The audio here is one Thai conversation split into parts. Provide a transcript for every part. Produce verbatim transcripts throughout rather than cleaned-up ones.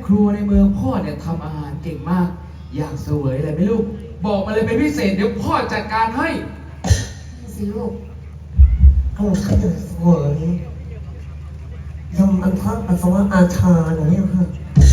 ครัวในเมืองพ่อเนี่ยทำอาหารเก่งมากอยากเสวยอะไรไหมลูกบอกมาเลยเป็นพิเศษเดี๋ยวพ่อจัดการให้สิลูกโอ้ข้าจะสวยยำอันทักปัสสาวะอาชาหน่อยค่ะ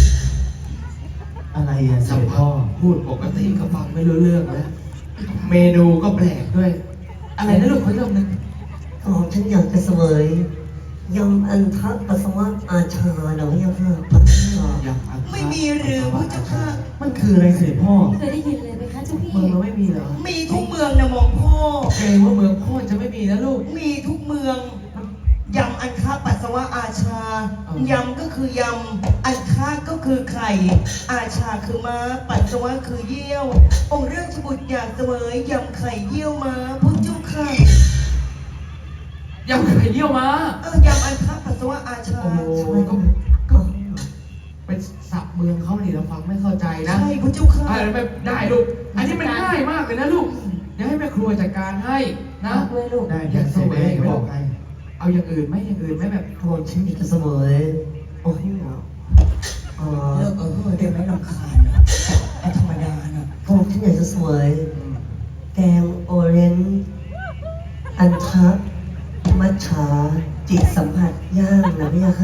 อะไรอ่ะสัมพ่อพูดปกติก็ฟังไม่รู้เรื่องแล้วเมนูก็แปลกด้วย อะไรนะลูกขออีกรอบหนึงอ๋อฉันอยากจะเสวยยำอันทักปัสสาวะอาชาหน่อยค่ะยังอันไม่มีหรือพระเจ้าค่ะมันคืออะไรเสด็จพ่อเคยได้ยินเลยไหมคะเจ้าพี่เมืองเราไม่มีเหรอมีทุกเมืองนะหม่อมพ่อเกรงว่าเมืองพ่อจะไม่มีนะลูกมีทุกเมืองยำอันค้าปัสสาวะอาชาอ๋อยำก็คือยำอันค้าก็คือไข่อาชาคือม้าปัสสาวะคือเยี่ยวองค์เรื่องชบุตรอยากเสวยยำไข่เยี่ยวม้าพระเจ้าค่ะยังไข่เยี่ยวมาเออยำอันค้าปัสสาวะอาชาโอ้โหก็ก็เป็นศัพท์เมืองเขาเนี่ยเราฟังไม่เข้าใจนะใช่พระเจ้าค่ะอ่าไม่ได้ลูก อันนี้มันง่ายมากเลยนะลูก เดี๋ยวให้แม่ครัวจัดการให้นะด้วยลูกได้อยากเสวยจะบอกให้เอาอย่างอื่นไหมอย่างอื่นไหมแบบโอ้ฉันอยากจะเสวยโอ้ยอ๋อเลิกเออได้ไหมรำคาญอะเอาธรรมดานะโอ้ฉันอยากจะเสวยแกงโอเรนจ์อันทักมัทฉาจิตสัมผัสย่างนะพี่ค่ะ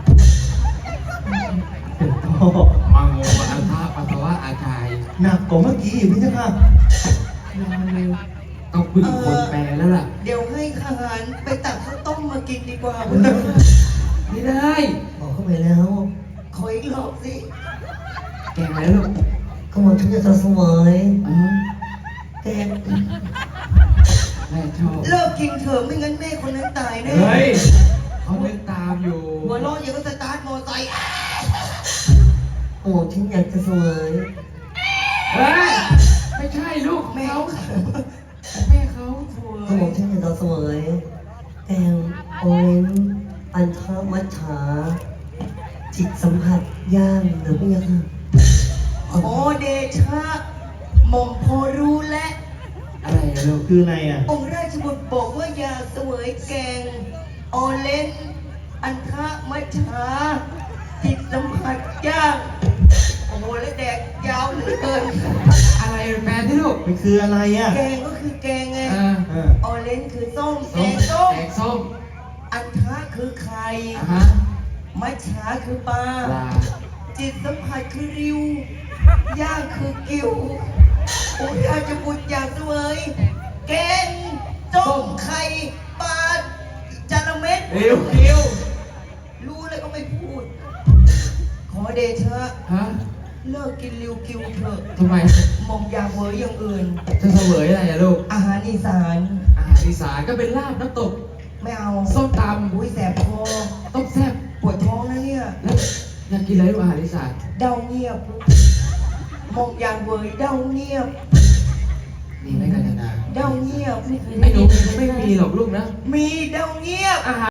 เสด็จพ่อมังโมอันทะปัสสาวะอาจายหนักกว่าเมื่อกี้อีกพี่เจ้าค่ะต้องพึ่งคนแปลแล้วล่ะเดี๋ยวให้ทหารไปตักข้าวต้มมากินดีกว่าพระเจ้าค่ะไม่ได้บอกเข้าไปแล้วขออีกรอบสิแกงอะไรลูกก็บอกฉันอยากจะเสวยอ๋อแกงแม่ชอบเลิกกินเถอะไม่งั้นแม่คนนั้นตายแน่เฮ้ยเขาเล่นตามอยู่หัวเร้อนอย่างก็สตาร์ทมอไซค์อ่ะโอ้ฉันอยากจะเสวยเฮ้ย ไม่ใช่ลูกแม่เขาเขาแม่เขาโถ่ก็บอกฉันอยากจะเสวยแกงโอเรนจ์อันทักมัทฉาจิตสัมผัสย่างนะพี่ค่ะโอเดชะหม่อมพอรู้และอะไรอะลูกคืออะไรอ่ะองค์ราชบุตรบอกว่าอยากเสวยแกงออเลนอันทะมัชชาจิตสัมผัสยากโอ้โหแล้วแดกยาวเหลือเกินอะไรแปลที่ลูกมันคืออะไรอ่ะแกงก็คือแกงไงอ่าเออออเลนคือส้มแกส้มงส้มแกงส้มอันทะคือไข่อ่ะฮะมัชชาคือปลาปลาจิตสัมผัสคือริว ย่างคือกิ้วองค์ราชบุตรอยากเสวยแกงส้มไข่ปลาจาระเม็ดเร็วเร็วรู้แล้วก็ไม่พูด ขอเดชะฮะเลิกกินริวกิวเถอะทำไมหมอมอยากเวยอย่างอื่นจะเสวยอะไรอะลูกอาหารอีสานอาหารอีสานก็เป็นลาบน้ำตกไม่เอาส้มตอุ้ยแสบคอำต้มแซ่บปวดท้องนะเนี่ยแล้วอยากกินอะไรลูกอาหารอีสานเดาเงียบหมอมอยากเวยเดาเงียบมีไหมกันนาเดาเงียบไม่เคยไอ้ได้หนูยินเลยไม่มีหรอกลูกนะมีเดาเงียบอาหาร